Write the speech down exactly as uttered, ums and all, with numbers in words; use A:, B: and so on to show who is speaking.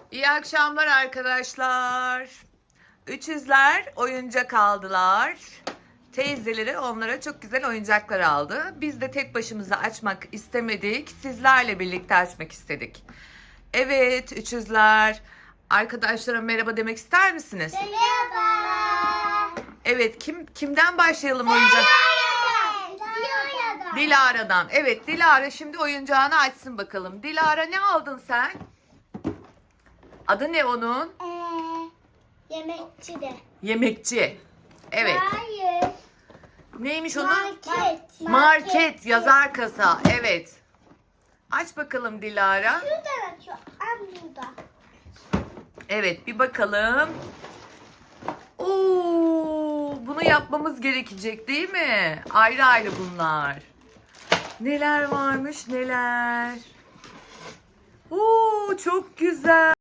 A: İyi akşamlar arkadaşlar. Üçüzler oyuncak aldılar. Teyzeleri onlara çok güzel oyuncaklar aldı. Biz de tek başımıza açmak istemedik. Sizlerle birlikte açmak istedik. Evet üçüzler. Arkadaşlara merhaba demek ister misiniz?
B: Merhaba.
A: Evet kim kimden başlayalım oyuncak?
B: Dilara'dan.
A: Dilara'dan. Evet Dilara şimdi oyuncağını açsın bakalım. Dilara ne aldın sen? Adı ne onun?
B: Ee, yemekçi de.
A: Yemekçi. Evet.
B: Hayır.
A: Neymiş onun?
B: Market.
A: Market, yazar kasa. Evet. Aç bakalım Dilara.
B: Şuradan açıyor. Am burada.
A: Evet bir bakalım. Oo, bunu yapmamız gerekecek değil mi? Ayrı ayrı bunlar. Neler varmış neler. Oo, çok güzel.